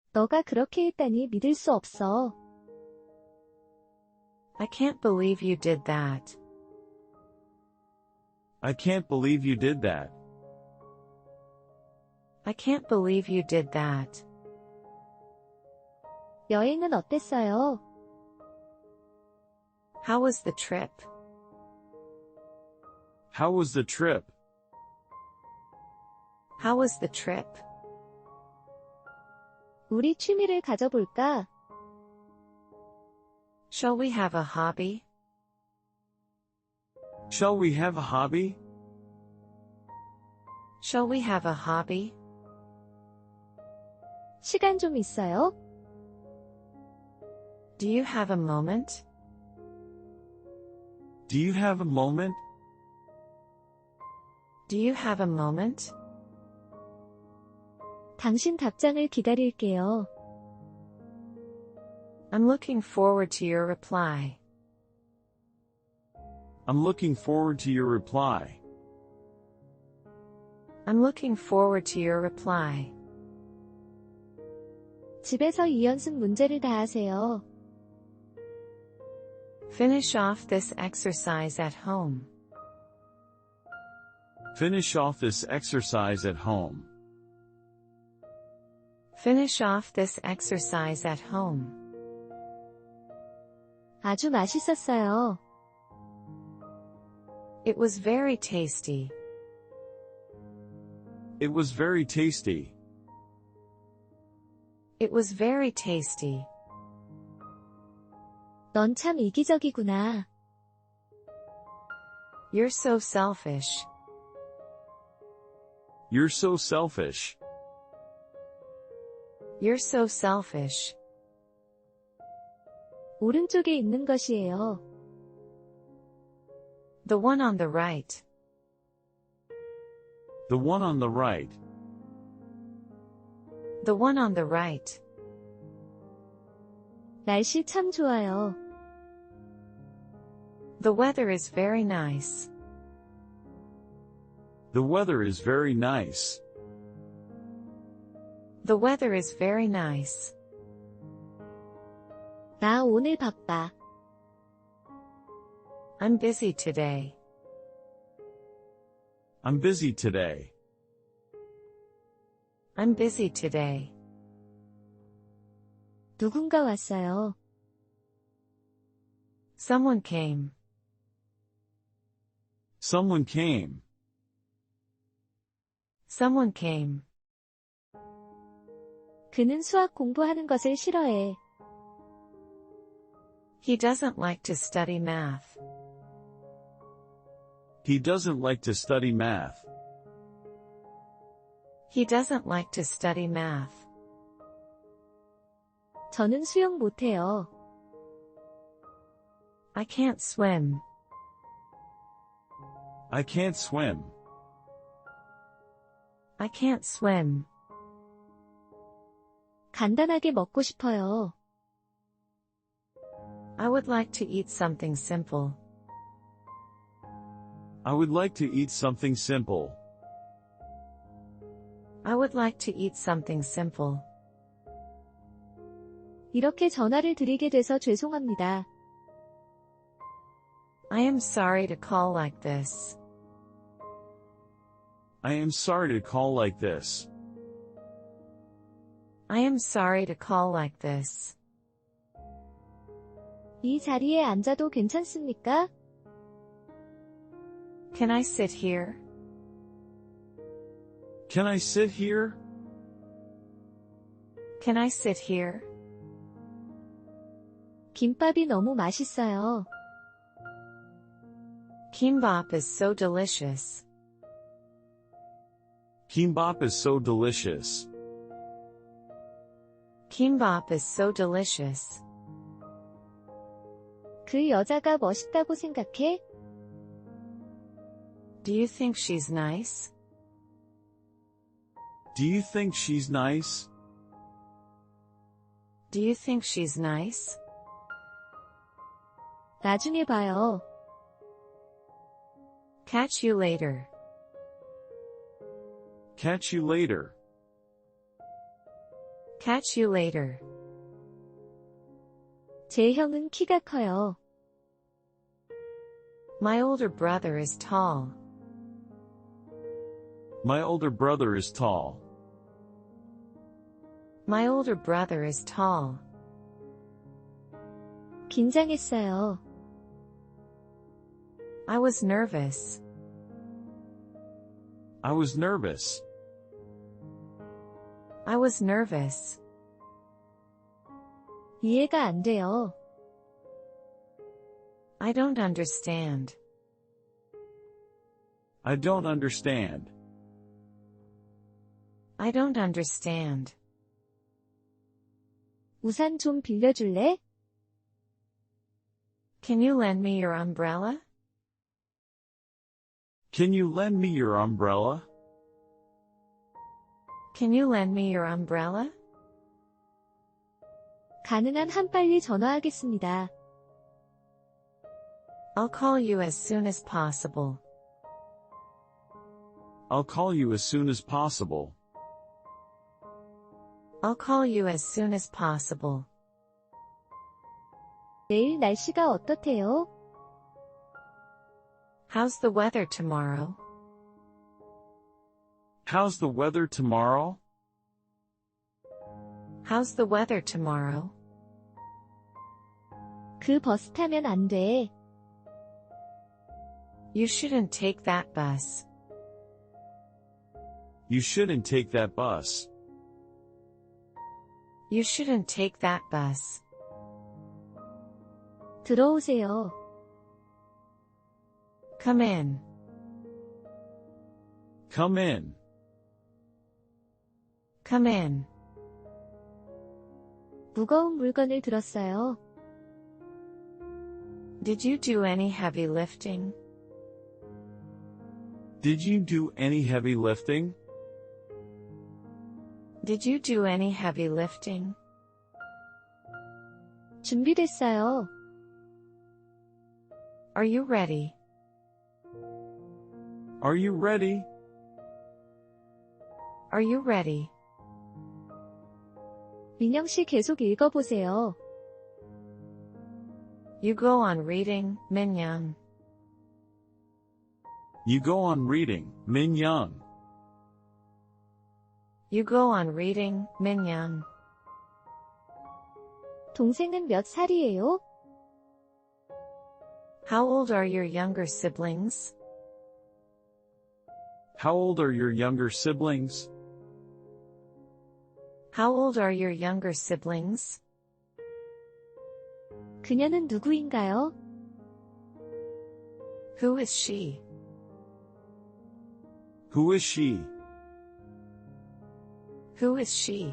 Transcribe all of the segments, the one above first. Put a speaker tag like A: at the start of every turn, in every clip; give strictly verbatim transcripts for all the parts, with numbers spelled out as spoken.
A: 너가 그렇게 했다니 믿을 수 없어.
B: I can't believe you did that.
C: I can't believe you did that.
B: I can't believe you did that.
A: 여행은 어땠어요?
B: How was the trip?
C: How was the trip?
B: How was the trip?
A: 우리 취미를 가져볼까?
B: Shall we have a hobby?
C: Shall we have a hobby?
B: Shall we have a hobby?
A: 시간 좀 있어요?
B: Do you have a moment?
C: Do you have a moment?
B: Do you have a moment?
A: 당신 답장을 기다릴게요.
B: I'm looking forward to your reply.
C: I'm looking forward to your reply.
B: I'm looking forward to your reply.
A: 집에서 이 연습 문제를 다 하세요.
B: Finish off this exercise at home.
C: Finish off this exercise at home.
B: Finish off this exercise at home.
A: 아주 맛있었어요.
B: It was very tasty.
C: It was very tasty.
B: It was very tasty.
A: 넌 참 이기적이구나.
B: You're so selfish.
C: You're so selfish.
B: You're so selfish.
A: 오른쪽에 있는 것이에요.
B: The one on the right.
C: The one on the right.
B: The one on the right.
A: 날씨 참 좋아요.
B: The weather is very nice.
C: The weather is very nice.
B: The weather is very nice.
A: 나 오늘 바빠.
B: I'm busy today.
C: I'm busy today.
B: I'm busy today.
A: 누군가 왔어요.
B: Someone came.
C: Someone came.
B: Someone came.
A: 그는 수학 공부하는 것을 싫어해.
B: He doesn't like to study math.
C: He doesn't like to study math.
B: He doesn't like to study math.
A: 저는 수영 못해요.
B: I can't swim.
C: I can't swim.
B: I can't swim.
A: 간단하게 먹고 싶어요.
B: I would like to eat something simple.
C: I would like to eat something simple.
B: I would like to eat something simple.
A: 이렇게 전화를 드리게 돼서 죄송합니다.
B: I am sorry to call like this.
C: I am sorry to call like this.
B: I am sorry to call like this.
A: 이 자리에 앉아도 괜찮습니까?
B: Can I sit here?
C: Can I sit here?
B: Can I sit here?
A: 김밥이 너무 맛있어요.
B: Kimbap is so delicious.
C: Kimbap is so delicious.
B: Kimbap is so delicious.
A: 그 여자가 멋있다고 생각해?
B: Do you think she's nice?
C: Do you think she's nice?
B: Do you think she's nice?
A: 나중에 봐요.
B: Catch you later.
C: Catch you later.
B: Catch you later.
A: 제 형은 키가 커요.
B: My older brother is tall.
C: My older brother is tall.
B: My older brother is tall.
A: 긴장했어요.
B: I was nervous.
C: I was nervous.
B: I was nervous.
A: 이해가 안 돼요.
B: I don't understand.
C: I don't understand.
B: I don't understand.
A: 우산 좀 빌려줄래?
B: Can you lend me your umbrella?
C: Can you lend me your umbrella?
B: Can you lend me your umbrella?
A: 가능한 한 빨리 전화하겠습니다.
B: I'll call you as soon as possible.
C: I'll call you as soon as possible.
B: I'll call you as soon as possible.
A: 내일 날씨가 어떻대요?
B: How's the weather tomorrow?
C: How's the weather tomorrow?
B: How's the weather tomorrow?
A: 그 버스 타면 안 돼.
B: You shouldn't take that bus.
C: You shouldn't take that bus.
B: You shouldn't take that bus.
A: 들어오세요.
B: Come in.
C: Come in.
B: Come in.
A: 무거운 물건을 들었어요.
B: Did you do any heavy lifting?
C: Did you do any heavy lifting?
B: Did you do any heavy lifting?
A: 준비됐어요.
B: Are you ready?
C: Are you ready?
B: Are you ready?
A: 민영 씨 계속 읽어보세요.
B: You go on reading, Minyoung.
C: You go on reading, Min Young.
B: You go on reading, Minyoung.
A: 동생은 몇 살이에요?
B: How old are your younger siblings?
C: How old are your younger siblings?
B: How old are your younger siblings?
A: 그녀는 누구인가요?
B: Who is she?
C: Who is she?
B: Who is she?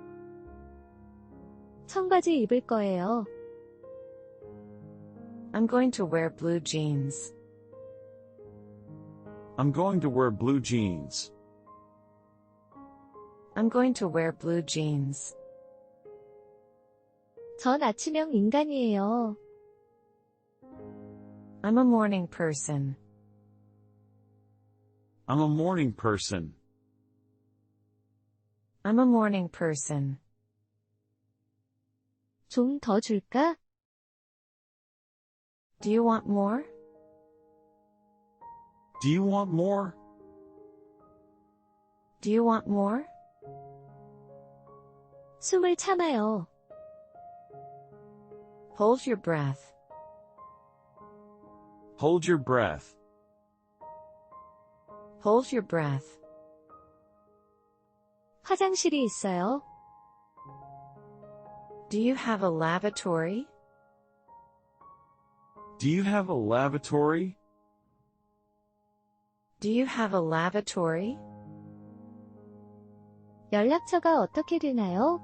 A: 청바지 입을 거예요.
B: I'm going to wear blue jeans.
C: I'm going to wear blue jeans.
B: I'm going to wear blue jeans.
A: 전 아침형 인간이에요.
B: I'm a morning person.
C: I'm a morning person.
B: I'm a morning person.
A: 좀 더 줄까?
B: Do you want more?
C: Do you want more?
B: Do you want more?
A: 숨을 참아요.
B: Hold your breath.
C: Hold your breath.
B: Hold your breath.
A: 화장실이 있어요.
B: Do you have a lavatory?
C: Do you have a lavatory?
B: Do you have a lavatory?
A: 연락처가 어떻게 되나요?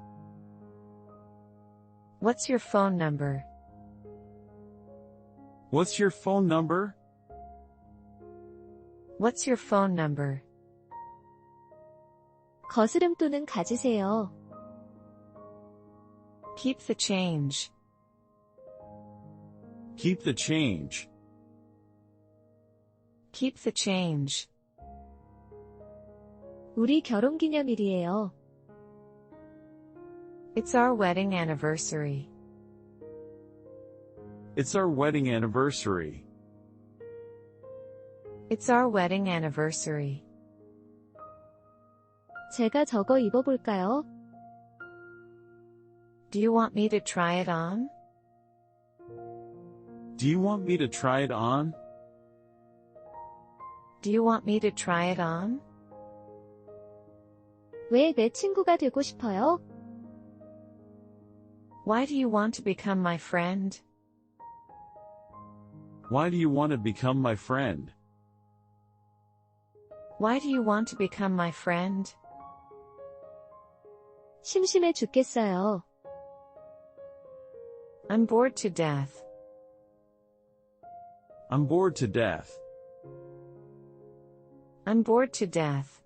B: What's your phone number?
C: What's your phone number?
B: What's your phone number?
A: 거스름돈은 가지세요.
B: Keep the change.
C: Keep the change.
B: Keep the change.
A: 우리 결혼기념일이에요.
B: It's our wedding anniversary.
C: It's our wedding anniversary.
B: It's our wedding anniversary.
A: 제가 저거 입어볼까요?
B: Do you want me to try it on?
C: Do you want me to try it on?
B: Do you want me to try it on?
A: 왜 내 친구가 되고 싶어요?
B: Why do you want to become my friend?
C: Why do you want to become my friend?
B: Why do you want to become my friend?
A: 심심해 죽겠어요.
B: I'm bored to death.
C: I'm bored to death.
B: I'm bored to death.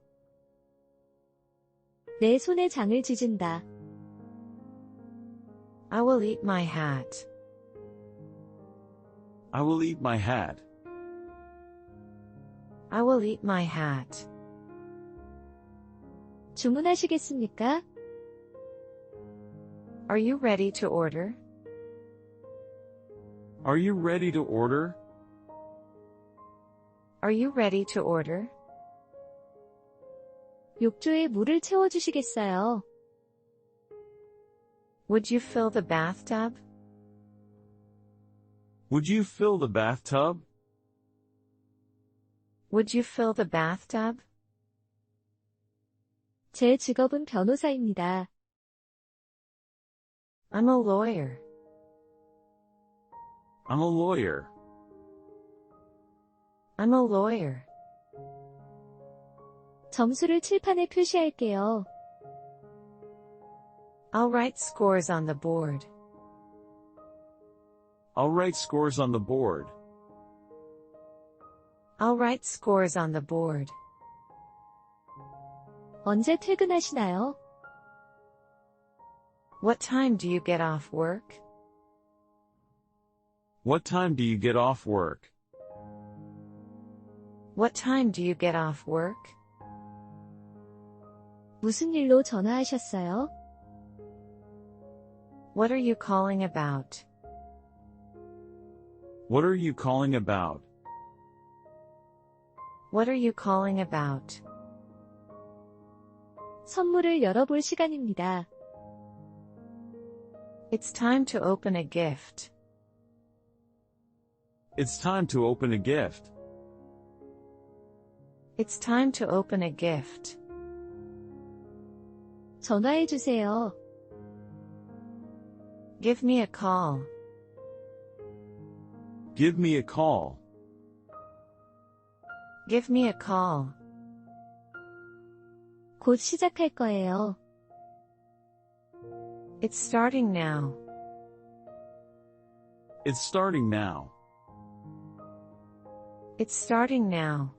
A: 내 손에 장을 찢은다.
B: I will eat my hat.
C: I will eat my hat.
B: I will eat my hat.
A: 주문하시겠습니까?
B: Are you ready to order?
C: Are you ready to order?
B: Are you ready to order?
A: 욕조에 물을 채워주시겠어요?
B: Would you fill the bathtub?
C: Would you fill the bathtub?
B: Would you fill the bathtub?
A: 제 직업은 변호사입니다.
B: I'm a lawyer.
C: I'm a lawyer.
B: I'm a lawyer.
A: 점수를 칠판에 표시할게요.
B: I'll write scores on the board.
C: I'll write scores on the board.
B: I'll write scores on the board.
A: 언제 퇴근하시나요?
B: What time do you get off work?
C: What time do you get off work?
B: What time do you get off work?
A: 무슨 일로 전화하셨어요?
B: What are you calling about?
C: What are you calling about?
B: What are you calling about?
A: 선물을 열어볼 시간입니다.
B: It's time to open a gift.
C: It's time to open a gift.
B: It's time to open a gift.
A: 전화해 주세요.
B: Give me a call.
C: Give me a call.
B: Give me a call.
A: 곧 시작할 거예요.
B: It's starting now.
C: It's starting now.
B: It's starting now.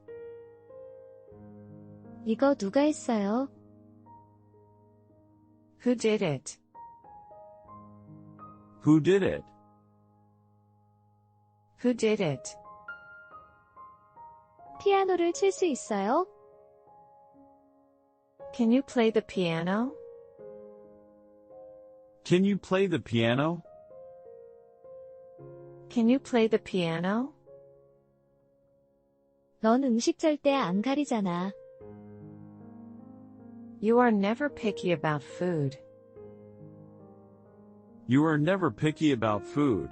A: 이거 누가 했어요?
B: Who did it?
C: Who did it?
B: Who did it?
A: 피아노를 칠 수 있어요?
B: Can you play the piano?
C: Can you play the piano?
B: Can you play the piano?
A: 넌 음식 절대 안 가리잖아.
B: You are never picky about food.
C: You are never picky about food.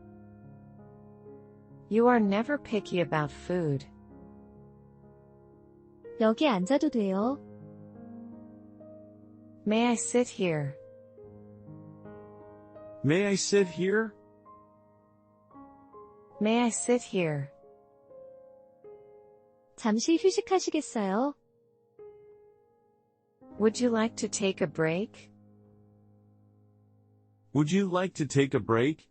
B: You are never picky about food.
A: 여기 앉아도 돼요?
B: May I sit here?
C: May I sit here?
B: May I sit here?
A: 잠시 휴식하시겠어요?
B: Would you like to take a break?
C: Would you like to take a break?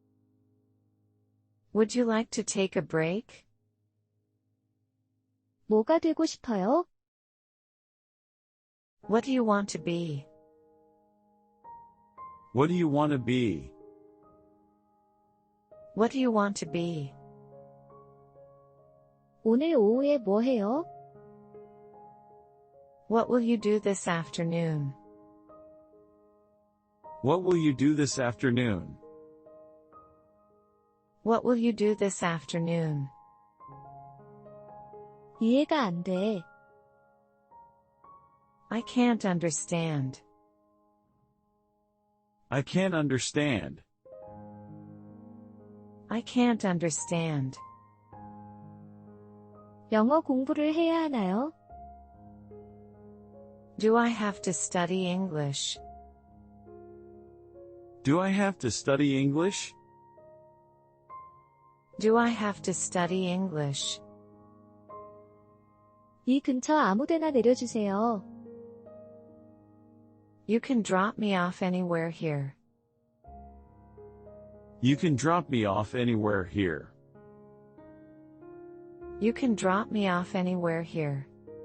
B: Would you like to take a break?
A: 뭐가 되고 싶어요?
B: What do you want to be?
C: What do you want to be?
B: What do you want to be?
A: 오늘 오후에 뭐 해요?
B: What will you do this afternoon?
C: What will you do this afternoon?
B: What will you do this afternoon?
A: 이해가 안 돼.
B: I can't understand.
C: I can't understand.
B: I can't understand.
A: 영어 공부를 해야 하나요?
B: Do I have to study English?
C: Do I have to study English?
B: Do I have to study English?
A: 이 근처 아무데나 내려주세요.
B: You can drop me off anywhere here.
C: You can drop me off anywhere here.
B: You can drop me off anywhere here.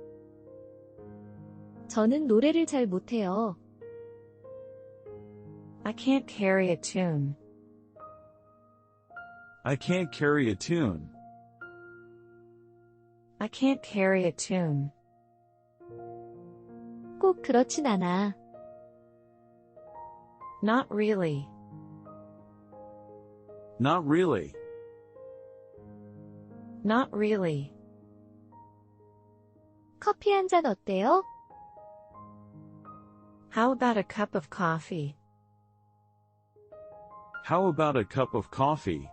A: 저는 노래를 잘 못해요.
B: I can't carry a tune.
C: I can't carry a tune.
B: I can't carry a tune.
A: 꼭 그렇진 않아.
B: Not really.
C: Not really.
B: Not really.
A: 커피 한 잔 어때요?
B: How about a cup of coffee?
C: How about a cup of coffee?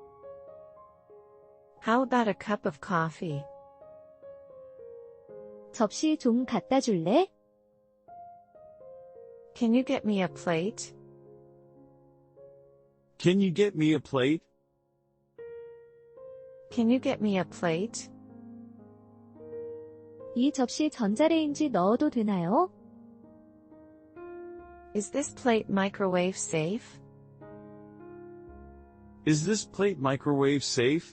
B: How about a cup of coffee?
A: 접시 좀 갖다 줄래?
B: Can you get me a plate?
C: Can you get me a plate?
B: Can you get me a plate?
A: 이 접시 전자레인지 넣어도 되나요?
B: Is this plate microwave safe?
C: Is this plate microwave safe?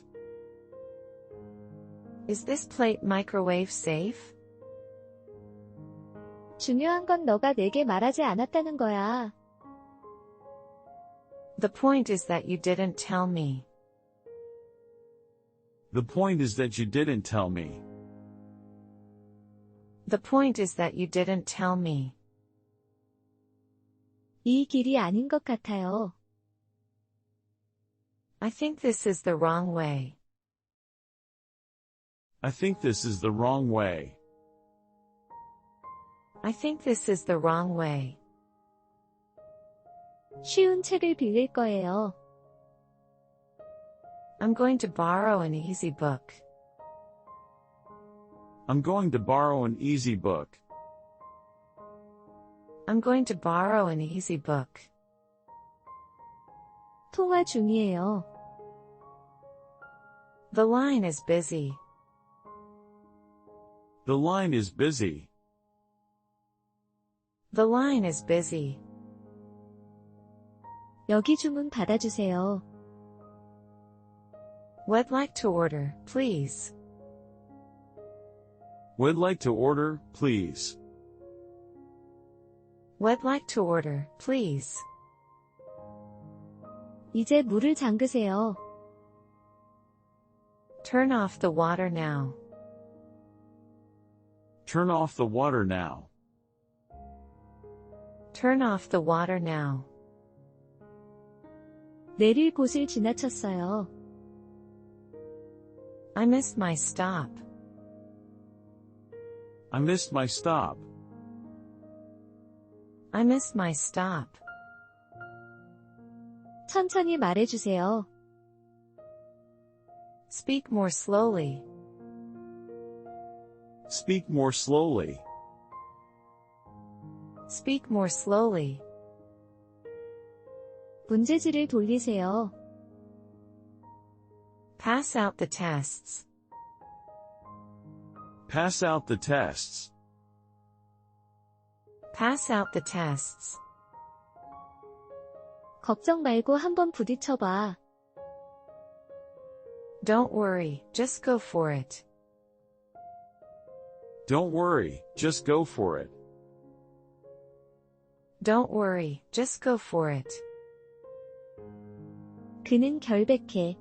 B: Is this plate microwave safe?
A: 중요한 건 너가 내게 말하지 않았다는 거야.
B: The point is that you didn't tell me.
C: The point is that you didn't tell me.
B: The point is that you didn't tell me.
A: 이 길이 아닌 것 같아요.
B: I think this is the wrong way.
C: I think this is the wrong way.
B: I think this is the wrong way.
A: 쉬운 책을 빌릴 거예요.
B: I'm going to borrow an easy book.
C: I'm going to borrow an easy book.
B: I'm going to borrow an easy book.
A: 통화 중이에요.
B: The line is busy.
C: The line is busy.
B: The line is busy.
A: 여기 주문 받아주세요.
B: Would like to order, please.
C: Would like to order, please.
B: Would like to order, please.
A: 이제 물을 잠그세요.
B: Turn off the water now.
C: Turn off the water now.
B: Turn off the water now.
A: 내릴 곳을 지나쳤어요.
B: I missed my stop.
C: I missed my stop.
B: I missed my stop.
A: 천천히 말해주세요.
B: Speak more slowly.
C: Speak more slowly.
B: Speak more slowly.
A: 문제지를 돌리세요.
B: Pass out the tests.
C: Pass out the tests.
B: Pass out the tests.
A: 걱정 말고 한번 부딪혀봐.
B: Don't worry, just go for it.
C: Don't worry, just go for it.
B: Don't worry, just go for it.
A: 그는 결백해.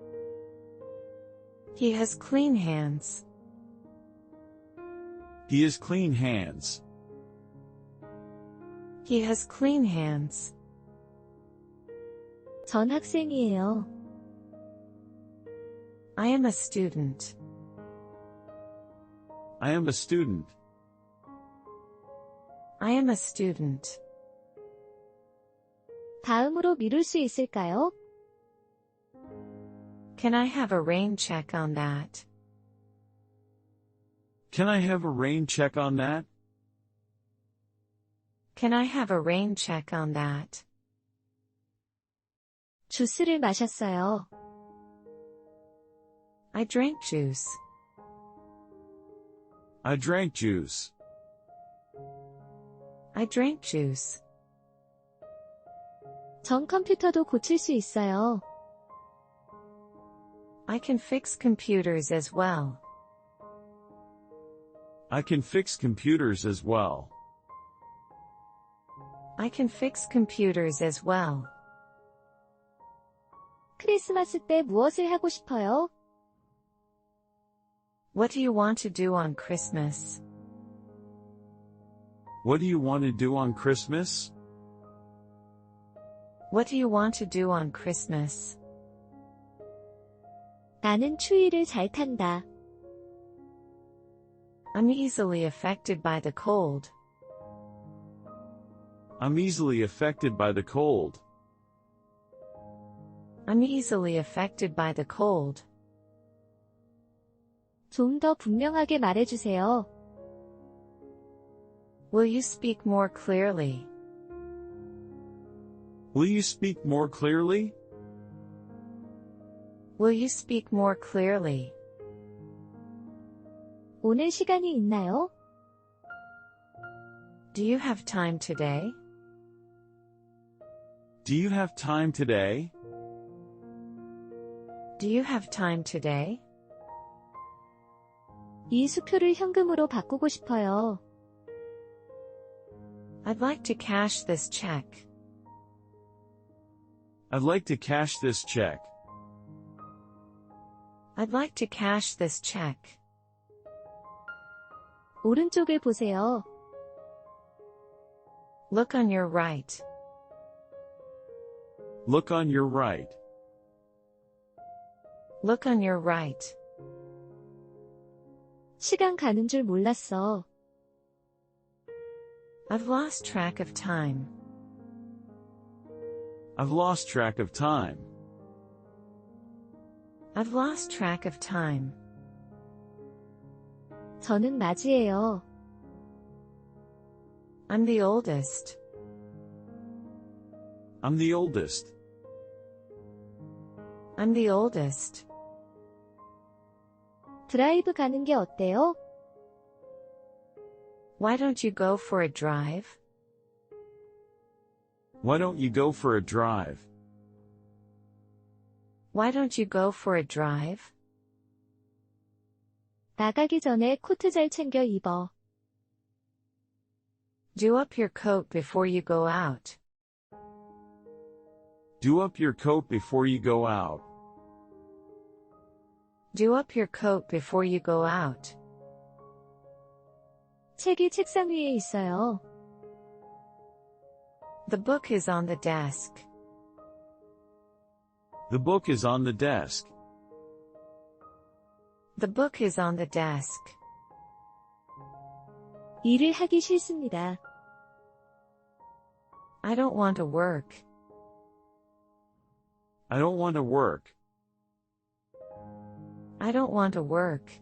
B: He has clean hands.
C: He has clean hands.
B: He has clean hands.
A: 전 학생이에요.
B: I am a student.
C: I am a student.
B: I am a student.
A: 다음으로 미룰 수 있을까요?
B: Can I have a rain check on that?
C: Can I have a rain check on that?
B: Can I have a rain check on that?
A: 주스를 마셨어요.
B: I drank juice.
C: I drank juice.
B: I drank juice.
A: 전 컴퓨터도 고칠 수 있어요.
B: I can fix computers as well.
C: I can fix computers as well.
B: I can fix computers as well.
A: 크리스마스 때 무엇을 하고 싶어요?
B: What do you want to do on Christmas?
C: What do you want to do on Christmas?
B: What do you want to do on Christmas?
A: 나는 추위를 잘 탄다.
B: I'm easily affected by the cold.
C: I'm easily affected by the cold.
B: I'm easily affected by the cold.
A: 좀 더 분명하게 말해주세요.
B: Will you speak more clearly?
C: Will you speak more clearly?
B: Will you speak more clearly?
A: 오늘 시간이 있나요?
B: Do you have time today?
C: Do you have time today?
B: Do you have time today?
A: 이 수표를 현금으로 바꾸고 싶어요.
B: I'd like to cash this check.
C: I'd like to cash this check.
B: I'd like to cash this check.
A: 오른쪽을 보세요.
B: Look on your right.
C: Look on your right.
B: Look on your right.
A: 시간 가는 줄 몰랐어.
B: I've lost track of time.
C: I've lost track of time.
B: I've lost track of time.
A: 저는 맞이에요.
B: I'm the oldest.
C: I'm the oldest.
B: I'm the oldest.
A: 드라이브 가는 게 어때요?
B: Why don't you go for a drive?
C: Why don't you go for a drive?
B: Why don't you go for a drive?
A: 나가기 전에 코트 잘 챙겨 입어.
B: Do up your coat before you go out.
C: Do up your coat before you go out.
B: Do up your coat before you go out.
A: 책이 책상 위에 있어요.
B: The book is on the desk.
C: The book is on the desk.
B: The book is on the desk.
A: 일을 하기 싫습니다.
B: I don't want to work.
C: I don't want to work.
B: I don't want to work.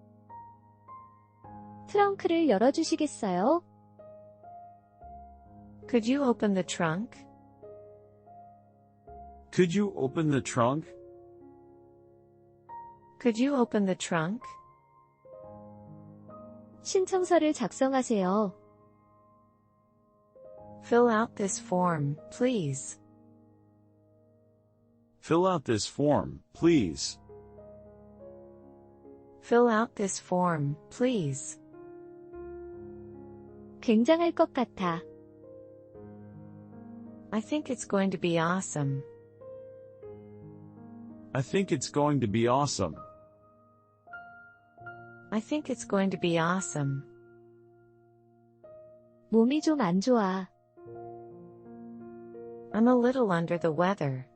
A: 트렁크를 열어주시겠어요?
B: Could you open the trunk?
C: Could you open the trunk?
B: Could you open the trunk?
A: 신청서를 작성하세요.
B: Fill out this form, please.
C: Fill out this form, please.
B: Fill out this form, please.
A: 굉장할 것 같아.
B: I think it's going to be awesome.
C: I think it's going to be awesome.
B: I think it's going to be awesome.
A: 몸이 좀 안 좋아.
B: I'm a little under the weather.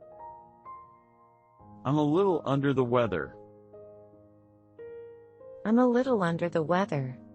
C: I'm a little under the weather.
B: I'm a little under the weather.